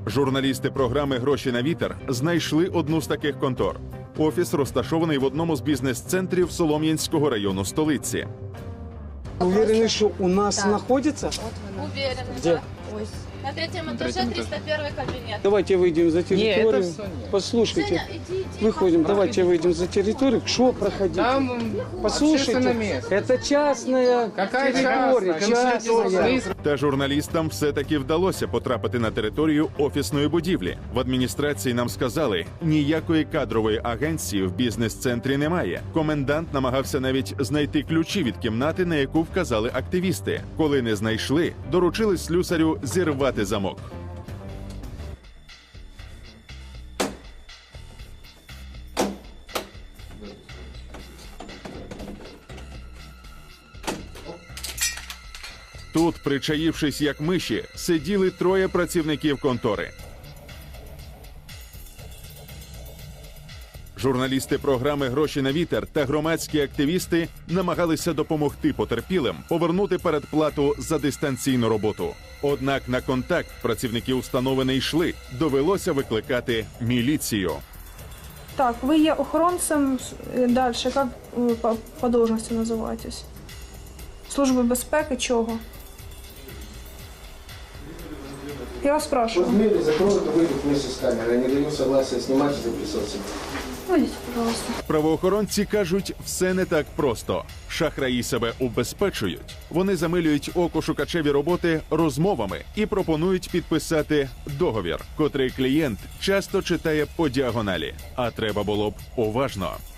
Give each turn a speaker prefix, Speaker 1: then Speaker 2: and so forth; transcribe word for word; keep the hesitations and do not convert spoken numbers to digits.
Speaker 1: Журналісти програми «Гроші на вітер» знайшли одну з таких контор. Офіс розташований в одному з бізнес-центрів Солом'янського району столиці.
Speaker 2: Уверены, что у нас
Speaker 3: Так.
Speaker 2: находится?
Speaker 3: Уверена,
Speaker 2: Где?
Speaker 3: да. Ой. На третьем этаже триста первый кабинет.
Speaker 2: Давайте выйдем за территорию.
Speaker 4: это всё нет.
Speaker 2: Послушайте,
Speaker 3: Женя, иди, иди.
Speaker 2: выходим, давайте выйдем за территорию. Что проходить?
Speaker 4: Там м,
Speaker 2: Послушайте,
Speaker 4: общественное место.
Speaker 2: это частная
Speaker 4: Какая
Speaker 2: территория,
Speaker 4: частная?
Speaker 2: частная.
Speaker 1: Та журналістам все-таки вдалося потрапити на територію офісної будівлі. В адміністрації нам сказали, ніякої кадрової агенції в бізнес-центрі немає. Комендант намагався навіть знайти ключі від кімнати, на яку вказали активісти. Коли не знайшли, доручили слюсарю зірвати замок. Тут, причаївшись як миші, сиділи троє працівників контори. Журналісти програми «Гроші на вітер» та громадські активісти намагалися допомогти потерпілим повернути передплату за дистанційну роботу. Однак на контакт працівники установи не йшли. Довелося викликати міліцію.
Speaker 5: Так, вы є охоронцем, е, дальше, как ви по, по должности називаєтесь? Служби безпеки чого? Я вас спрашиваю.
Speaker 6: Размеры закроют и выйдут вместе с камерой. Я не даю согласия снимать и записываться.
Speaker 5: Вийдіть, пожалуйста.
Speaker 1: Правоохоронці кажуть, все не так просто. Шахраї себе убезпечують. Вони замилюють око шукачеві роботи розмовами і пропонують підписати договір, котрий клієнт часто читає по діагоналі. А треба було б уважно.